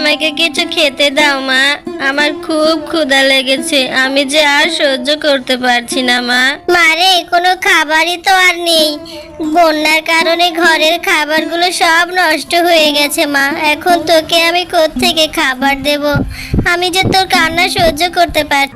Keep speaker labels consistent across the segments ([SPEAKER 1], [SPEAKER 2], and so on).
[SPEAKER 1] আমাকে কিছু খেতে দাও মা, আমার খুব ক্ষুধা লেগেছে, আমি যে আর সহ্য করতে পারছি না মা। মারে কোনো খাবারই তো আর নেই, বন্যার কারণে ঘরের খাবারগুলো সব নষ্ট হয়ে গেছে মা, এখন তোকে আমি কোত্থেকে খাবার দেব, আমি যে তোর কান্না সহ্য করতে পারছি।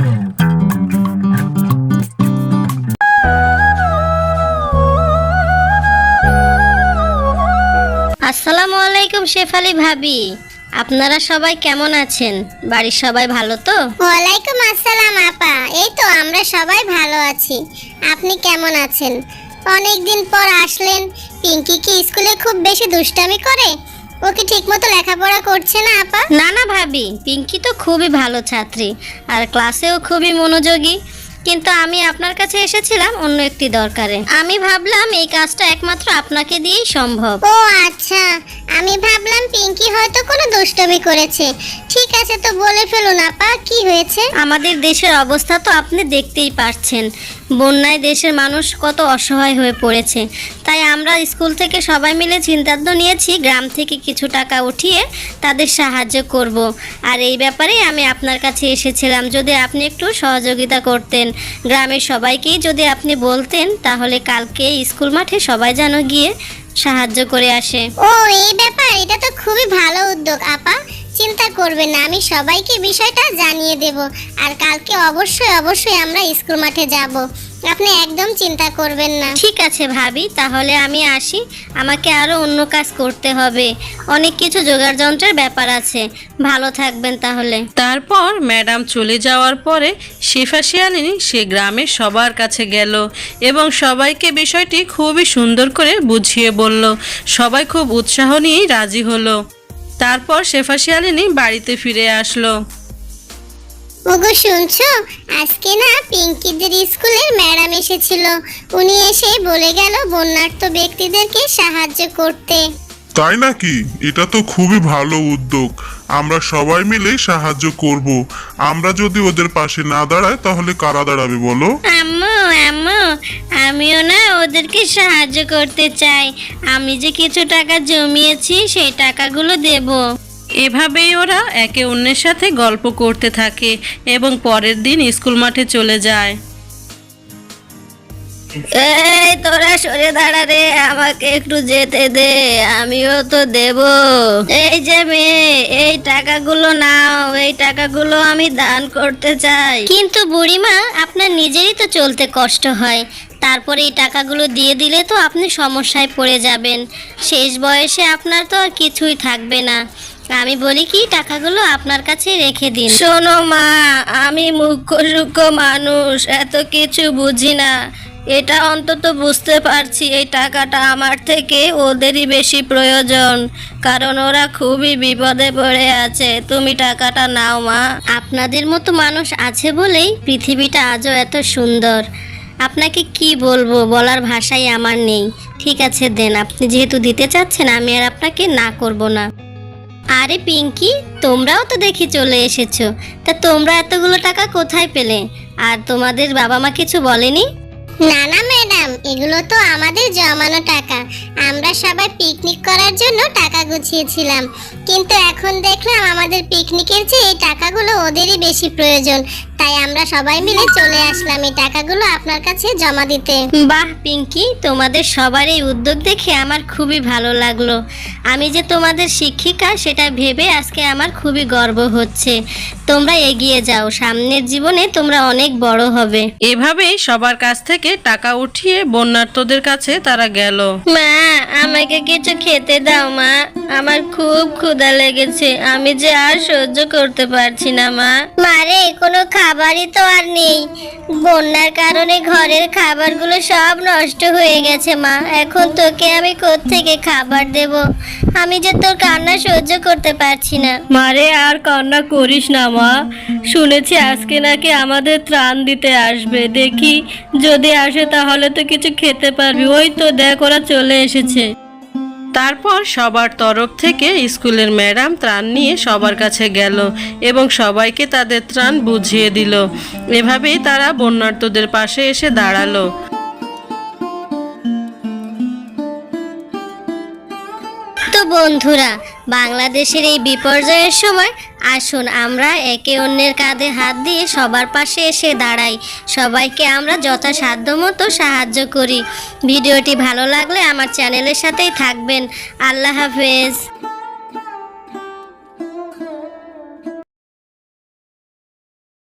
[SPEAKER 1] আসসালামু আলাইকুম শেফালি ভাবি, আপনারা সবাই কেমন আছেন? বাড়ির সবাই ভালো তো?
[SPEAKER 2] ওয়ালাইকুম আসসালাম আপা, এই তো আমরা সবাই ভালো আছি। আপনি কেমন আছেন? অনেকদিন পর আসলেন। পিঙ্কি কি স্কুলে খুব বেশি দুষ্টামি করে? ও কি ঠিকমতো লেখাপড়া করছে না আপা?
[SPEAKER 1] না না ভাবি, পিঙ্কি তো খুবই ভালো ছাত্রী আর ক্লাসেও খুবই মনোযোগী, কিন্তু আমি আপনার কাছে এসেছিলাম অন্য একটি দরকারে। আমি ভাবলাম এই কাজটা একমাত্র আপনাকে দিয়েই সম্ভব।
[SPEAKER 2] ও আচ্ছা, আমি ভাবলাম পিঙ্কি হয়তো কোনো দুষ্টামি করেছে। ঠিক আছে, তো বলে ফেলুন আপা, কি হয়েছে?
[SPEAKER 1] আমাদের দেশের অবস্থা তো আপনি দেখতেই পারছেন, বন্যায় দেশের মানুষ কত অসহায় হয়ে পড়েছে। তাই আমরা স্কুল থেকে সবাই মিলে সিদ্ধান্ত নিয়েছি গ্রাম থেকে কিছু টাকা উঠিয়ে তাদের সাহায্য করব। আর এই ব্যাপারে আমি আপনার কাছে এসেছিলাম, যদি আপনি একটু সহযোগিতা করতেন, গ্রামের সবাইকেই যদি আপনি বলতেন, তাহলে কালকে স্কুল মাঠে সবাই যেন গিয়ে সাহায্য করে আসে।
[SPEAKER 2] ও এই ব্যাপার, এটা তো খুবই ভালো উদ্যোগ আপা। চিন্তা করবেন না, আমি সবাইকে বিষয়টা জানিয়ে দেব। আর কালকে অবশ্যই অবশ্যই আমরা স্কুল মাঠে যাব, আপনি একদম চিন্তা করবেন না।
[SPEAKER 1] ঠিক আছে ভাবি, তাহলে আমি আসি, আমাকে আরো অন্য কাজ করতে হবে, অনেক কিছু জোগাড় যন্ত্রের ব্যাপার আছে। ভালো থাকবেন তাহলে।
[SPEAKER 3] তারপর ম্যাডাম চলে যাওয়ার পরে শেফা শিয়ালিনী সে গ্রামের সবার কাছে গেল এবং সবাইকে বিষয়টি খুবই সুন্দর করে বুঝিয়ে বলল। সবাই খুব উৎসাহ নিয়েই রাজি হলো। তারপর শেফা শিয়ালিনী বাড়িতে ফিরে আসলো।
[SPEAKER 2] ওগো শুনছো, আজকে না পিঙ্কিদের স্কুলের ম্যাডাম এসেছিল। উনি এসে বলে গেল বন্যার্ত ব্যক্তিদেরকে সাহায্য করতে।
[SPEAKER 4] তাই নাকি? এটা তো খুবই ভালো উদ্যোগ, আমরা সবাই মিলে সাহায্য করব। আমরা যদি ওদের পাশে না দাঁড়াই তাহলে কারা দাঁড়াবে বলো?
[SPEAKER 1] আম্মু আম্মু, আমিও না ওদেরকে সাহায্য করতে চাই, আমি যে কিছু টাকা জমিয়েছি সেই টাকাগুলো দেব।
[SPEAKER 3] এভাবেই ওরা একে অন্যের সাথে গল্প করতে থাকে এবং পরের দিন স্কুল মাঠে চলে যায়।
[SPEAKER 1] এই তোরা সরে দাঁড়া রে, আমাকে একটু যেতে দে, আমিও তো দেব। এই যে মেয়ে, এই টাকাগুলো নাও, এই টাকাগুলো আমি দান করতে চাই। কিন্তু বুড়িমা, আপনার নিজেরই তো চলতে কষ্ট হয়, তারপরে এই টাকাগুলো দিয়ে দিলে তো আপনি সমস্যায় পড়ে যাবেন, শেষ বয়সে আপনার তো আর কিছুই থাকবে না। আমি বলি কি, টাকাগুলো আপনার কাছে রেখে দিন। শোনো মা, আমি মুখ্য সূক্ষ্ম মানুষ, এত কিছু বুঝি না, এটা অন্তত বুঝতে পারছি এই টাকাটা আমার থেকে ওদেরই বেশি প্রয়োজন, কারণ ওরা খুবই বিপদে পড়ে আছে। তুমি টাকাটা নাও মা। আপনাদের মতো মানুষ আছে বলেই পৃথিবীটা আজও এত সুন্দর। আপনাকে কি বলবো, বলার ভাষাই আমার নেই। ঠিক আছে দেন, আপনি যেহেতু দিতে চাচ্ছেন আমি আর আপনাকে না করব না। আরে পিঙ্কি, তোমরাও তো দেখি চলে এসেছো, তা তোমরা এতগুলো টাকা কোথায় পেলে? আর তোমাদের বাবা মা কিছু বলেনি?
[SPEAKER 2] না না ম্যাডাম, এগুলো তো আমাদের জমানো টাকা। আমরা সবাই পিকনিক করার জন্য টাকা গুছিয়েছিলাম, কিন্তু এখন দেখলাম আমাদের পিকনিকের চেয়ে এই টাকাগুলো ওদেরই বেশি প্রয়োজন, তাই আমরা সবাই মিলে চলে আসলাম এই টাকাগুলো আপনার কাছে জমা দিতে।
[SPEAKER 1] বাহ পিঙ্কি, তোমাদের সবার এই উদ্যোগ দেখে আমার খুবই ভালো লাগলো। আমি যে তোমাদের শিক্ষিকা সেটা ভেবে আজকে আমার খুবই গর্ব হচ্ছে। তোমরা এগিয়ে যাও, সামনের জীবনে তোমরা অনেক বড় হবে।
[SPEAKER 3] এভাবেই সবার কাছ থেকে টাকা উঠিয়ে বন্যার্তদের কাছে তারা গেল।
[SPEAKER 1] মা, আমাকে কিছু খেতে দাও মা, আমার খুব ক্ষুধা লেগেছে, আমি যে আর সহ্য করতে পারছি না মা।
[SPEAKER 2] মারে কোনো খাবারই তো আর নেই, বন্যার কারণে ঘরের খাবারগুলো সব নষ্ট হয়ে গেছে মা, এখন তোকে আমি কোত্থেকে খাবার দেব, আমি যে তোর কান্না সহ্য করতে পারছি না।
[SPEAKER 1] মারে আর কান্না করিস না মা, শুনেছি আজকে নাকি আমাদের ত্রাণ দিতে আসবে, দেখি যদি আসে তাহলে তো কিছু খেতে পারবি। ওই তো দেখ ওরা চলে এসেছে।
[SPEAKER 3] তারপর সবার তরফ থেকে স্কুলের ম্যাডাম ত্রাণ নিয়ে সবার কাছে গেল এবং সবাইকে তাদের ত্রাণ বুঝিয়ে দিল। এভাবেই তারা বন্যার্তদের পাশে এসে দাঁড়ালো।
[SPEAKER 1] তো বন্ধুরা, বাংলাদেশের এই বিপর্যয়ের সময় আসুন আমরা একে অন্যের কাঁধে হাত দিয়ে সবার পাশে এসে দাঁড়াই, সবাইকে আমরা যথাসাধ্য মতো সাহায্য করি। ভিডিওটি ভালো লাগলে আমার চ্যানেলের সাথেই থাকবেন। আল্লাহ হাফেজ।